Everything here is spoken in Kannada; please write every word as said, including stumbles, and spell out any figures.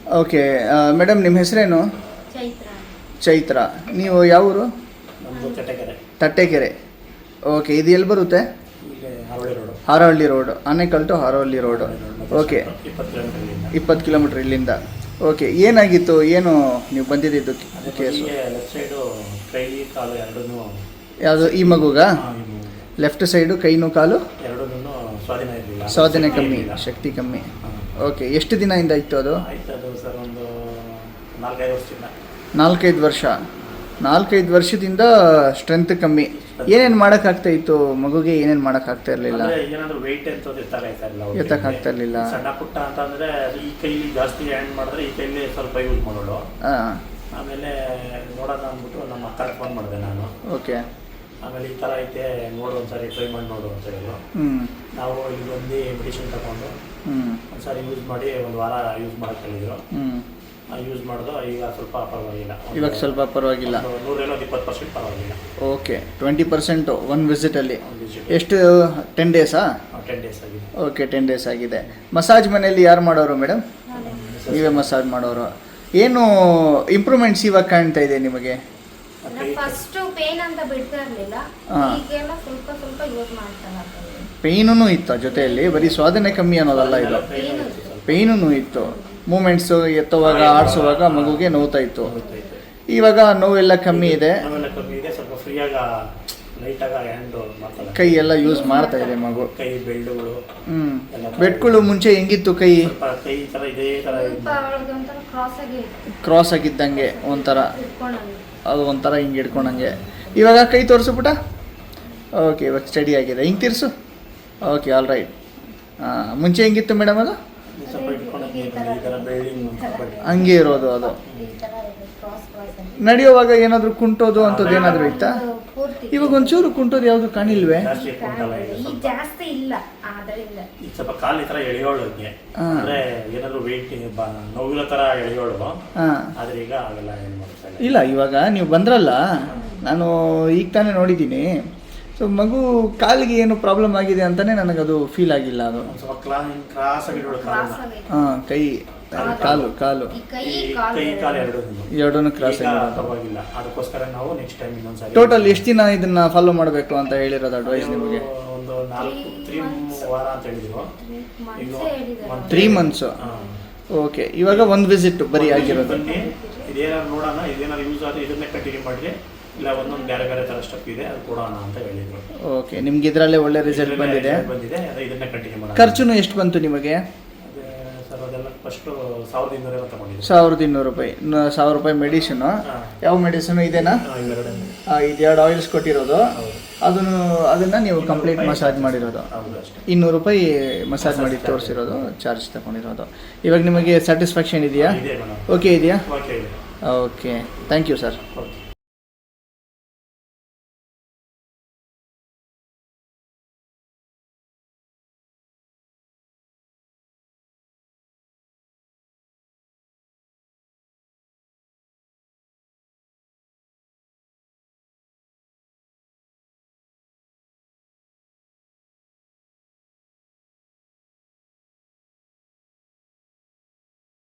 ಓಕೆ ಮೇಡಮ್, ನಿಮ್ಮ ಹೆಸರೇನು? ಚೈತ್ರ. ಚೈತ್ರ. ನೀವು ಯಾವ ಊರು? ನಮ್ಮದು ತಟ್ಟೆಕೆರೆ. ತಟ್ಟೆಕೆರೆ. ಓಕೆ, ಇದು ಎಲ್ಲಿ ಬರುತ್ತೆ? ಇಲ್ಲಿ Harohalli road. Harohalli road, Anekal to Harohalli road. Okay, ಇಪ್ಪತ್ತು ಕಿಲೋಮೀಟರ್ ಇಲ್ಲಿಂದ. ಇಪ್ಪತ್ತು ಕಿಲೋಮೀಟ್ರ್ ಇಲ್ಲಿಂದ. ಓಕೆ, ಏನಾಗಿತ್ತು, ಏನು ನೀವು ಬಂದಿದ್ದು ಕೇಸು? ಲೆಫ್ಟ್ ಸೈಡು ಕೈ ಕಾಲು ಎರಡೂ ಯಾವುದು ಈ ಮಗುಗ? ಲೆಫ್ಟ್ ಸೈಡು ಕೈನು ಕಾಲು ಎರಡೂ ಸ್ವಾಧೀನ ಇರಲಿಲ್ಲ. ಸ್ವಾಧೀನ ಕಮ್ಮಿ, ಶಕ್ತಿ ಕಮ್ಮಿ. ಓಕೆ, ಎಷ್ಟು ದಿನದಿಂದ ಇತ್ತು ಅದು? ಆಯ್ತು ಅದು ಸರ್ ಒಂದು ನಾಲ್ಕೈದು ವರ್ಷದಿಂದ. ನಾಲ್ಕೈದು ವರ್ಷ. ನಾಲ್ಕೈದು ವರ್ಷದಿಂದ ಸ್ಟ್ರೆಂತ್ ಕಮ್ಮಿ. ಏನೇನು ಮಾಡೋಕ್ಕಾಗ್ತಾ ಇತ್ತು ಮಗುಗೆ? ಏನೇನು ಮಾಡೋಕ್ಕಾಗ್ತಾ ಇರಲಿಲ್ಲ? ಏನಾದರೂ ವೆಯ್ಟ್ ಅಂತ ಎತ್ತಕ್ಕಾಗ್ತಾ ಇರಲಿಲ್ಲ. ಎತ್ತಕ್ಕಾಗ್ತಾ ಇರಲಿಲ್ಲ. ಸಣ್ಣ ಪುಟ್ಟ ಅಂತಂದರೆ ಈ ಕೈಲಿ ಜಾಸ್ತಿ ಹ್ಯಾಂಡ್ ಮಾಡಿದ್ರೆ ಈ ಕೈಲಿ ಸ್ವಲ್ಪ ಯೂಸ್ ಮಾಡೋಳು. ಹಾಂ. ಆಮೇಲೆ ನೋಡೋಣ ಅಂದ್ಬಿಟ್ಟು ನಮ್ಮ ಅಕ್ಕಗೆ ಫೋನ್ ಮಾಡಿದೆ ನಾನು. ಓಕೆ. ಆಮೇಲೆ ಈ ಥರ ಐತೆ ನೋಡು ಒಂದ್ಸರಿ ಟ್ರೈ ಮಾಡಿ ನೋಡು ಅಂತ ಹೇಳಿದ್ರು. ಹ್ಞೂ. ನಾವು ಇಲ್ಲಿ ಬಂದು ಮೆಡಿಸಿನ್ ತಗೊಂಡು ಹ್ಞೂ ಒಂದ್ಸರಿ ಯೂಸ್ ಮಾಡಿ ಒಂದು ವಾರ ಯೂಸ್ ಮಾಡೋಕ್ಕೆ ಹೇಳಿದ್ರು. ಹ್ಞೂ. ಯೂಸ್ ಮಾಡೋದು ಈಗ ಸ್ವಲ್ಪ ಪರವಾಗಿಲ್ಲ. ಇವಾಗ ಸ್ವಲ್ಪ ಪರವಾಗಿಲ್ಲ. ನೂರೇನೋ ಒಂದು ಇಪ್ಪತ್ತು ಪರ್ಸೆಂಟ್ ಪರವಾಗಿಲ್ಲ. ಓಕೆ, ಟ್ವೆಂಟಿ ಪರ್ಸೆಂಟು ಒನ್ ವಿಸಿಟಲ್ಲಿ. ಎಷ್ಟು? ಟೆನ್ ಡೇಸಾ? ಟೆನ್ ಡೇಸ್ ಆಗಿದೆ. ಓಕೆ, ಟೆನ್ ಡೇಸ್ ಆಗಿದೆ. ಮಸಾಜ್ ಮನೆಯಲ್ಲಿ ಯಾರು ಮಾಡೋರು ಮೇಡಮ್? ನೀವೇ ಮಸಾಜ್ ಮಾಡೋರು. ಏನು ಇಂಪ್ರೂವ್ಮೆಂಟ್ಸ್ ಇವಾಗ ಕಾಣ್ತಾ ಇದೆ ನಿಮಗೆ? ಫಸ್ಟ್ ಪೇನ್ ಅಂತ ಬಿಡ್ತಾ ಇರಲಿಲ್ಲ, ಈಗೆಲ್ಲ ಸ್ವಲ್ಪ ಸ್ವಲ್ಪ ಯೂಸ್ ಮಾಡ್ತಾ ಇದ್ದೀನಿ. ಪೇಯ್ನೂ ಇತ್ತು ಜೊತೆಯಲ್ಲಿ, ಬರೀ ಸ್ವಾಧೀನ ಕಮ್ಮಿ ಅನ್ನೋದಲ್ಲ ಇದು, ಪೇಯ್ನೂ ಇತ್ತು. ಮೂಮೆಂಟ್ಸು ಎತ್ತುವಾಗ ಆಡಿಸುವಾಗ ಮಗುಗೆ ನೋವ್ತಾ ಇತ್ತು. ಇವಾಗ ನೋವೆಲ್ಲ ಕಮ್ಮಿ ಇದೆ, ನೋವೆಲ್ಲ ಕಮ್ಮಿ ಇದೆ. ಸ್ವಲ್ಪ ಫ್ರೀಯಾಗಿ ಲೈಟಾಗಿ ಹ್ಯಾಂಡ್ ಮಾಡ್ತಾರೆ. ಕೈ ಎಲ್ಲ ಯೂಸ್ ಮಾಡ್ತಾ ಇದೆ ಮಗು. ಕೈ ಬೆಳ್ಳುಗಳು. ಹ್ಞೂ. ಬೆಟ್ಗಳು ಮುಂಚೆ ಹೆಂಗಿತ್ತು ಕೈ? ಕೈ ಥರ ಇದೇ ಥರ ಕ್ರಾಸ್ ಆಗಿ ಕ್ರಾಸ್ ಆಗಿದ್ದಂಗೆ ಒಂಥರ, ಅದು ಒಂಥರ ಹಿಂಗೆ ಹಿಡ್ಕೊಂಡಂಗೆ. ಇವಾಗ ಕೈ ತೋರಿಸು ಪುಟ. ಓಕೆ, ಇವಾಗ ಸ್ಟಡಿ ಆಗಿದೆ. ಹಿಂಗೆ ತಿರ್ಸು. Okay, all right. ಹಾಂ, ಮುಂಚೆ ಹೆಂಗಿತ್ತು ಮೇಡಮ್ ಅದು? ಹಂಗೆ ಇರೋದು ಅದು. ನಡೆಯುವಾಗ ಏನಾದರೂ ಕುಂಟೋದು ಅಂಥದ್ದು ಏನಾದರೂ ಇತ್ತಾ? ಇವಾಗ ಒಂಚೂರು ಕುಂಟೋದು ಯಾವುದು ಕಾಣಿಲ್ವೇ? ಜಾಸ್ತಿ ಇಲ್ಲ, ಆದ್ದರಿಂದ ಸ್ವಲ್ಪ ಕಾಲು ಈ ಥರ ಎಳೆಯೋಳು. ಅಂದ್ರೆ ಏನಾದ್ರು ವೆಯ್ಟ್ ನೋವಿನ ಥರ ಎಳೆಯೋಳು. ಆದ್ರೆ ಈಗ ಆಗಲ್ಲ, ಏನು ಮಾಡ್ತಾ ಇಲ್ಲ. ಇವಾಗ ನೀವು ಬಂದ್ರಲ್ಲ, ನಾನು ಈಗ ತಾನೇ ನೋಡಿದ್ದೀನಿ. ಸೊ ಮಗು ಕಾಲಿಗೆ ಏನು ಪ್ರಾಬ್ಲಮ್ ಆಗಿದೆ ಅಂತಾನೆ ನನಗದು ಫೀಲ್ ಆಗಿಲ್ಲ. ಅದು ಸ್ವಲ್ಪ ಕ್ರಾಸ್ ಆಗಿರೋಳು. ಹಾಂ, ಕೈ ಕಾಲು ಕಾಲು ಕೈ ಕಾಲು ಎರಡು ಎರಡೂ ಕ್ರಾಸ್ ಪರವಾಗಿಲ್ಲ. ಅದಕ್ಕೋಸ್ಕರ ನಾವು ನೆಕ್ಸ್ಟ್ ಟೈಮ್ ಇನ್ನೊಂದ್ಸರಿ. ಟೋಟಲ್ ಎಷ್ಟು ದಿನ ಇದನ್ನ ಫಾಲೋ ಮಾಡಬೇಕು ಅಂತ ಹೇಳಿರೋದು ಅಡ್ವೈಸ್ ನಿಮಗೆ? ಒಂದು ನಾಲ್ಕು ತ್ರೀ ವಾರ ಅಂತ ಹೇಳಿದ್ರು. Three months. ಓಕೆ, ಇವಾಗ ಒಂದು ವಿಸಿಟ್ ಬರೀ ಆಗಿರೋದು. ಇದೇನಾದ್ರು ನೋಡೋಣ, ಇದೇನಾದ್ರು ಯೂಸ್ ಆದರೆ ಇದನ್ನೇ ಕಂಟಿನ್ಯೂ ಮಾಡಿರಿ, ಇಲ್ಲ ಒಂದೊಂದು ಬೇರೆ ಬೇರೆ ಥರ ಸ್ಟೆಪ್ ಇದೆ ಅದು ಕೊಡೋಣ ಅಂತ ಹೇಳಿದ್ರು. ಓಕೆ, ನಿಮ್ಗೆ ಇದರಲ್ಲೇ ಒಳ್ಳೆ ರಿಸಲ್ಟ್ ಬಂದಿದೆ. ಬಂದಿದೆ ಇದನ್ನೇ ಕಂಟಿನ್ಯೂ ಮಾಡೋಣ. ಖರ್ಚುನು ಎಷ್ಟು ಬಂತು ನಿಮಗೆ? ಸರ್ ಅದೆಲ್ಲ ಫಸ್ಟು ಸಾವಿರದ ಇನ್ನೂರೆಲ್ಲ ತಗೊಂಡಿದ್ದೆ. ಸಾವಿರದ ಇನ್ನೂರು ರೂಪಾಯಿ ಸಾವಿರ ರೂಪಾಯಿ ಮೆಡಿಸಿನು. ಯಾವ ಮೆಡಿಸಿನು ಇದೇನಾ? ಇದು ಎರಡು ಆಯಿಲ್ಸ್ ಕೊಟ್ಟಿರೋದು. ಅದನ್ನು ಅದನ್ನು ನೀವು ಕಂಪ್ಲೀಟ್ ಮಸಾಜ್ ಮಾಡಿರೋದು. ಇನ್ನೂರು ರೂಪಾಯಿ ಮಸಾಜ್ ಮಾಡಿ ತೋರಿಸಿರೋದು, ಚಾರ್ಜ್ ತಗೊಂಡಿರೋದು. ಇವಾಗ ನಿಮಗೆ ಸ್ಯಾಟಿಸ್ಫ್ಯಾಕ್ಷನ್ ಇದೆಯಾ? ಓಕೆ ಇದೆಯಾ? Okay, thank you sir.